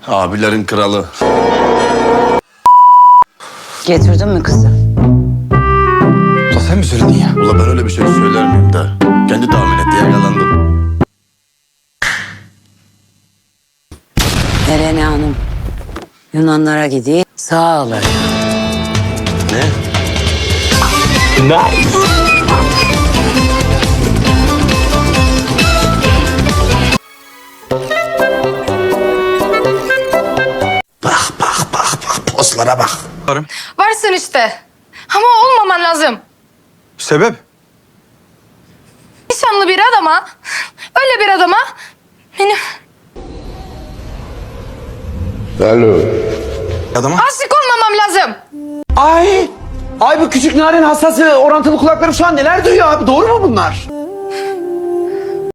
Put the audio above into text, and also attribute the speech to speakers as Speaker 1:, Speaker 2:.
Speaker 1: Abilerin kralı.
Speaker 2: Getirdin mi kızı?
Speaker 3: Ulan sen mi söyledin ya?
Speaker 1: Ula ben öyle bir şey söyler miyim de? Kendi tahmin etti, yakalandım.
Speaker 2: Erene Hanım. Yunanlara gideyim. Sağ olun.
Speaker 1: Ne? Bak, pozlara bak.
Speaker 4: Varsın işte. Ama olmaman lazım.
Speaker 3: Sebep?
Speaker 4: Nişanlı bir adama, öyle bir adama benim
Speaker 3: Adama.
Speaker 4: aşık olmamam lazım.
Speaker 5: Ay bu küçük narin hassası orantılı kulaklarım şu an neler duyuyor abi, doğru mu bunlar?